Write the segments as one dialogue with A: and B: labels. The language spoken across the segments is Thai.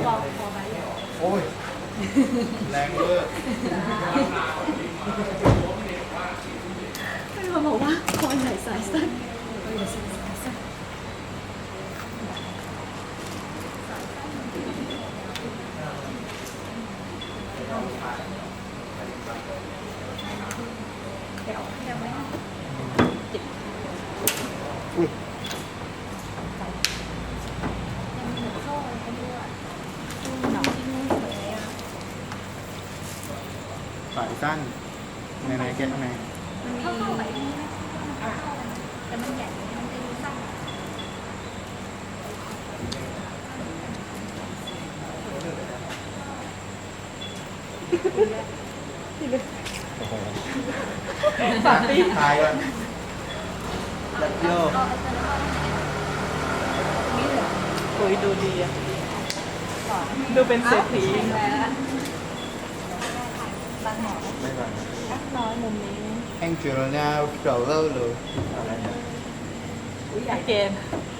A: โอ้ยแรงเวอร์
B: ไม่มาบอกว่าคอใหญ่สายสั้นคอใหญ่สายสั้น
A: สายสั้นในแกะข้างใน
B: เข้าไปแต่มันใหญ่มันจะดูสั้น
A: ฝากตีทายก่อนยัดโยก
C: โอ้ยดูดีอะดูเป็นเศรษฐี
A: ไม่ก่อน
C: น้อยมุมนี้
A: แองเจิลนาเก่าเล่าเลยอะไรเนี่ย
C: เกณฑ์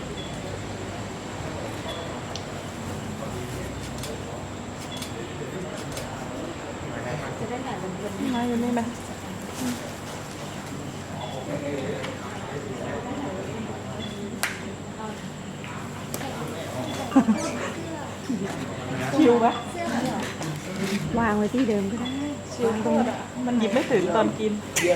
B: จะได้แบบเป็น
C: มาอยู่นี่ไหมชิวไหม
B: วางไว้ที่เดิมก็ได้
C: ชิวตรงมันหยิบไม่ถึงตอนกิน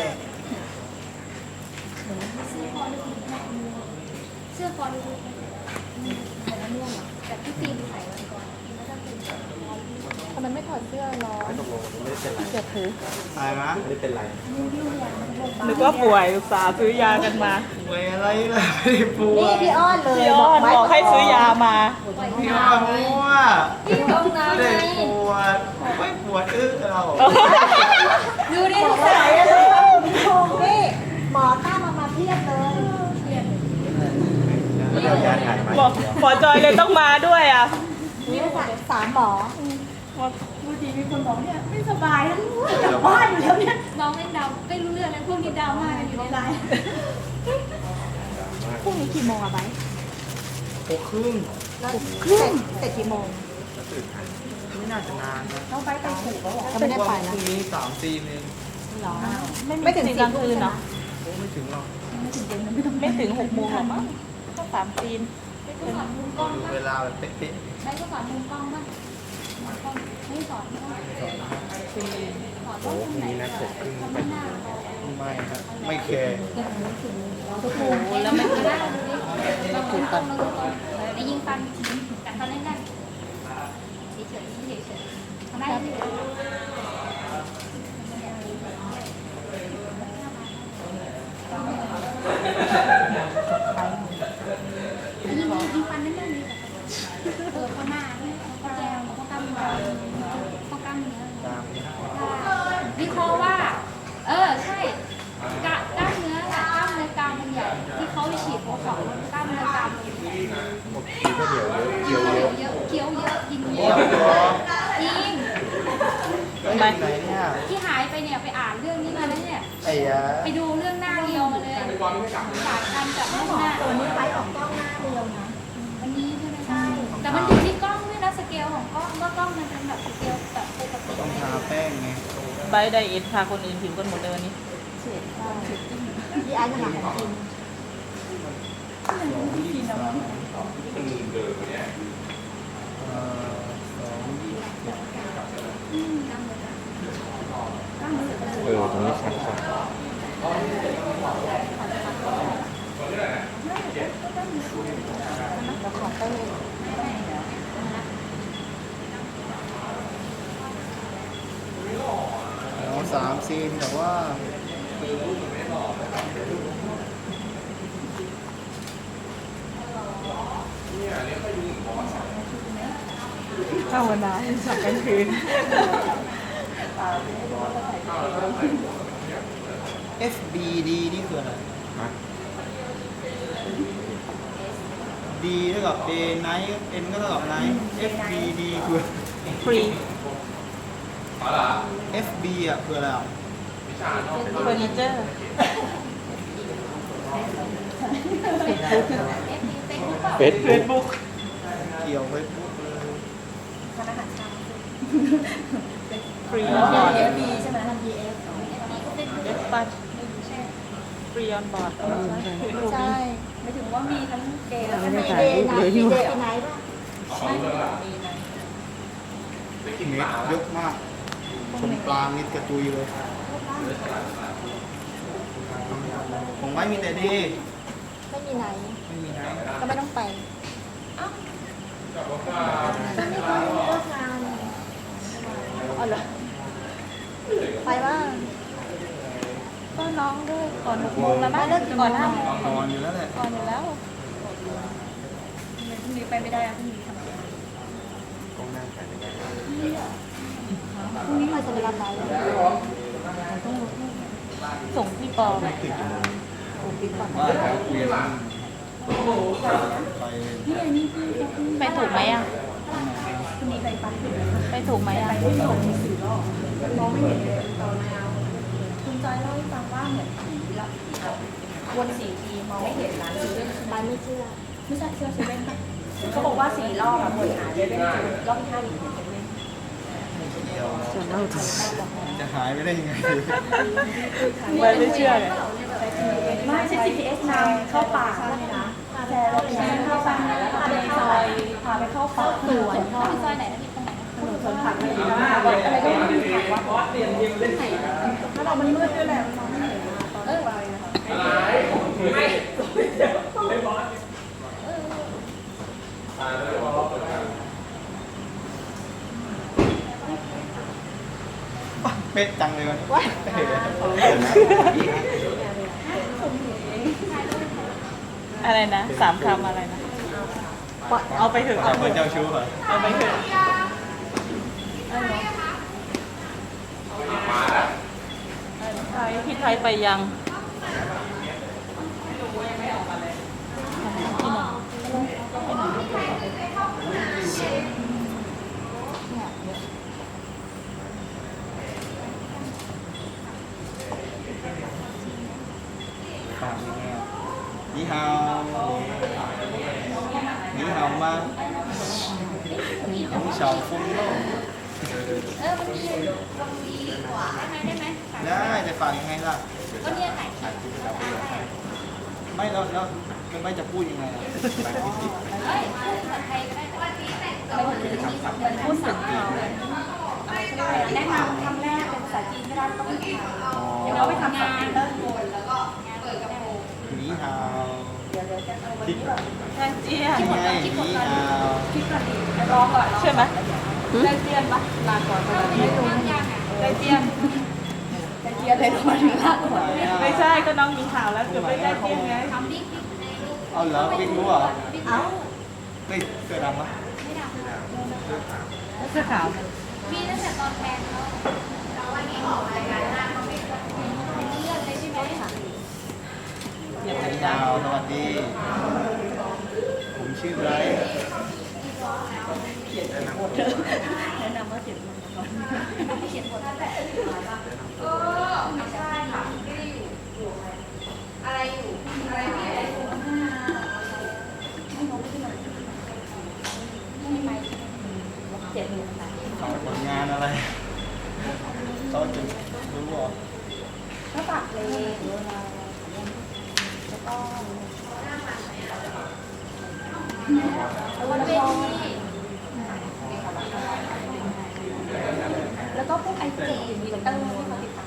B: เสื้อคอดูแต่ละม่วงอ่ะแต่ที่ตีนใส่ไว้ก่อนแล้วก็เป็น
C: ทำไมไม่ถอดเสื้อร้อน
A: ตกลงไม่เป็นไร
C: เจ็บถือ
A: ตายมั้ยไม่เป็นไร
C: นึกว่าป่วยอุตส่าห์ซื้อยากันมา
A: ป่วยอะไรล่ะไม่ได้ป่วย
B: นี่พี่อ้อนเลย
C: พี่อ้อนบอกให้ซื้อยามา
A: พี่อ้อนมั่ว
B: พี่ตรงนั้น
A: ไม่
B: ไง
A: ได้ปวดไม่ปวดเรา
B: ดูดิทุกสายเลยโอ้พี่หมอตั้งมาเพียบเลยเพียบ
C: บอกหมอจอยเลยต้องมาด้วยอ่ะ
B: นี่สามหมอดูดีมีคนบอกเนี่ยไม่สบายแล้วกลับบ้านอยู่แล้วเนี่ยน้องเล่นดาวไม่รู้เรื่องนะพวกนี้ดาวมากกันอยู่ในไลน์พรุ่งนี้กี่โมงอะไบ
A: 6:30
B: เสร็จกี่โมง
A: ไม่น่าจะนานนะ
B: น้องไบไปถูกแล้วเขาไม่ได้ไป
A: พ
B: นะ
A: รุ่งนี้3-4นึง
B: หรอ
C: ไม่ถึงกลางคืนเนาะ
A: โอ้ไม่ถึงหรอก
C: ไม่ถึง6 โมงหรอกมั้งก็3 ตีน
B: ไม่สอนมุมกล้อง
A: ดู
B: ป่ะ
A: เวลาแบบเป๊ะ
B: ไม่ก็สอนมุมกล้องป่ะไม่สอนสอนต้องไหนทำไม่น่า
A: ๆไม่ครับไม่แคร์
B: โอ้โหแล้วมันน่าดูดิเราถูกตรงในยิงฟันแต่ฟันเล่นได้เฉยๆเฉยๆทำได้ไหมยิงฟันนั่นได้ไหมข้างหน้าข้อแก้วข้อกล้ามเนื้อข้อกล้ามเนื้อ
A: ตาม
B: วิเคราะห์ว่าใช่กล้ามเนื้อกล้ามเนื้อกรามมันใหญ่ที่เขาฉีดโบท็อกซ์กล้ามเนื้อกรามมันใหญ่
A: หมดทีก็เดี๋ยวเยอะเยอะเยอะ
B: เคี้ยวเยอะกินเย
A: เย
B: อะ
A: อะ
B: จริง
A: ไหนเนี่ย
B: ที่หายไปเนี่ยไปอ่านเรื่องนี้มาแล้วเนี่ย
A: ไอ้ยา
B: ไปดูเรื่องหน้าเรียวมาเลยสายพันธุ์จากหน้าตัวนี้ไปออกกล้องหน้าเรียวนะวันนี้ใช่ไหมใช่แต่มันอยู่ที่กล้องด้วยนะสเกลของกล้องว่ากล้องมันเป็นแบบสเกลแบบปกติ
A: ต้องทาแป้งไง
C: ใบไดเอทพาคนอื่นผิวกันหมดเลยวันนี้
B: ที่อันหลังกิน
A: ตรงนี้ชัดกว่า3 ซีนแต่ว่า
C: ภาวนาให้สักกลางคืน
A: FBD นี่คืออะไร D เท่ากับ A night N ก็เท่ากับ night FBD คือ
C: ฟรี
A: FB อ่ะคืออะไรอ่ะ
C: เฟอร์นิเจอร์
B: เฟซบุ๊ก
C: เฟซบุ๊ก
A: เกี่ยวเฟซบุ๊กเลย
C: รีออนบอร์ด
D: ดีใช่ไหมทำ DF
C: เอฟปัสฟรีออนบอร์ด
D: ใช่ไม่ถึงว่ามีทั้งเดย์แล้วก็
E: ไม่
D: มี
E: ได้
D: เด
E: ถ่าย
D: ย์
E: รูป
D: ไน
E: เลย
D: ท์
E: อยู่
D: เดย์ไนท์ป่ะ
A: เม็ดเยอะมากชมปลามิดกระจุยเลยของไว้มีแต่ดี
D: ไม่มีไนท์
A: ไม่มีไหน
D: ก็ไม่ต้องไปก็ไม่ต้องเลิกงานอ๋อเหรอไปบ้าง
B: ก็น้องด้วยก่อน6 โมงแล้วมั้งเลิกก่อน5 โมง
A: นอนอยู่แล้วแหละ
B: ก่อนอยู่แล้ว
D: พรุ่งนี้ไปไม่ได้อะพรุ่งนี้ทำงาน
A: กองนั่งถ่ายไม่ได้
D: พรุ่งนี้มาจะเวลาไป
B: ส่งพี่ปอไป
A: ติดอยู่
D: ผมปิดก่อน
A: ว่าแล้วคุยกันไป
D: นี่ไงนี่พี่เขาเพิ่ง
B: ไปถูกไหมอ่ะ
D: พรุ่งนี้ไปปันถึง
B: ไปถูกไหมอ่ะ
D: ไปที่หลงมี4 รอบมองไม่เห็นเลยตอนมาคุณจอยเล่าให้ฟังว่าเหมือนผีละวน4 ทีมองไม่เห็นร้านเซเว่นร้านไม่เชื่อไม่ใช่เชื่อเซเว่นเขาบอกว่า4 รอบอะวนหาเซเว่นรอบที่5อยู่เซเว่น
E: จะเล่าถึง
A: จะหายไปได้ยังไง
C: ไม่เชื่อเลย
D: ไม่ใช่ GPS นำเข้าป่าเลยนะแชร์รถแชร์เข้าป่าแล้วพาไปซอยพาไปเข้าป่าสวน
B: พี่ซอยไหนนะพี่ตรงไหนนะ
D: ถนนสวนผักอะไรอย่างเงี้ยอะไรก็ไม่รู้ผักว่าถ้าเรามันมืดด้วยแหละมันมองไม่เห็นตอนไปนะคะ
A: เป็ดจังเลยมัน
C: อะไรนะ3 คำอะไรนะ เอาไปเถอะ
A: จับเป็นเจ้าชู้เหรอ
C: เอาไปเถอะพี่ไทยไปยังที่ไหน
A: ฝากยังไงนี่ฮาวนี่ฮาวมาของชาวฟุ้งโลก
B: มันดีกว่าได้ไหม
A: ได้จะฝากยังไงล่ะ
B: ก็เนี่ยไหน
A: ไม่แล้วไม่จะพูดยังไงอ่ะ
B: เฮ้ยพูดภาษาไทยก็ได้ไปถึงที่เดือนพูดสั่งเขาแนะนำคำแรกเป็นภาษาจีนไม่ได้ต้องเป็นไทยเดี๋ยวเราไปทำงานเริ่มโอนแล้วก็เปิดกระโปรง
A: นี่ฮาว
D: เดี๋ยวจะเอาวันนี้ก่อน
C: แจ้งเจี้ย
A: ยังไงนี่ฮาว
D: คิดก่อนดีรอก่อน
C: ใช่ไหมแจ้งเจี้ยนปะลาก่อน
B: ไม่รู้ยังอ่ะ
C: แจ้งเจี้ยน
D: จะเคลียร์เลยก่อนลาก่อน
C: ไม่ใช่ก็น้องมีข่าวแล้วเกือบไม่แจ้งเจี้ยนไง
B: ทำบิ๊กในรูป
A: เอาเหรอบิ๊กรู้เหรอ
B: บิ๊ก
D: เอ้า
A: เฮ้ยเสื้อดำปะ
B: ไม่ดัง
C: เสื้อขาว
B: มีตั้งแต่ตอนแทนเขาแต่วันนี้ออกรายการหน้าเขาไม่เลื่อนเลยใช่ไหม
A: นี่ฮาวสวัสดี ผมชื่อไบรท์
D: แนะนำว่าเจ็บมันก่อน
B: เขียนบทนั่นแหละไม่ใช่ค่ะไม่ได้อยู่อะไรอยู่อะไรไม่ได้อยู่ไม่ไหม
D: เจ็บมือค่ะ
A: เขาผลงานอะไรเขาจะรู้เหรอ
D: ถ้าปากเลยแล้วก็
B: บนเวที
D: แล้วก็พวกไอจีมีเตอร์ที่เขาติดตาม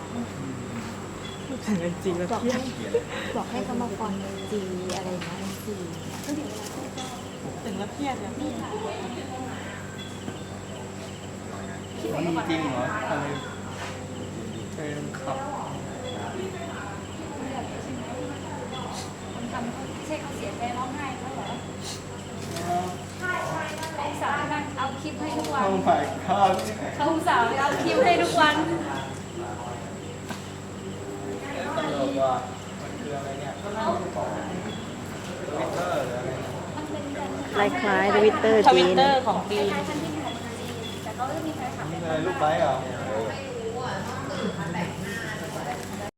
C: จริงแล้ว
D: บอก
C: เครีย
D: ให้
C: ด
D: บอกให้เขามาฟอนจีอะไรนะจีก็เดี๋ยว
C: ถึงแล้วเครียดเนี่ย
A: นี่จริงเหรออะไรเป็นขับ
B: คนทำเขาใช่เขาเสียใจร้องไห้เขาเหรอเขาอุตส่าห์นั่งเอาคลิปให้ทุกวัน
A: โอ้ my god
B: เขาอุตส่าห์เอาคลิปให้ทุกวัน
A: ตลกว่ะมันคืออะไรเนี่ยทวิตเตอร์หรืออะไรเนี่ย
B: มันเป็นการ
E: คล้ายๆทวิตเตอร์
C: ท
E: จี
C: วิต
E: น
C: เตอร์ของ
B: ค
C: จีน
B: ล้ายๆพันธุ์ที่ของจีนแต่เขาจะมีแฟนคลับ
A: นี่
B: เป็น
A: อะไรลูกไบค์เหรอ
B: ใ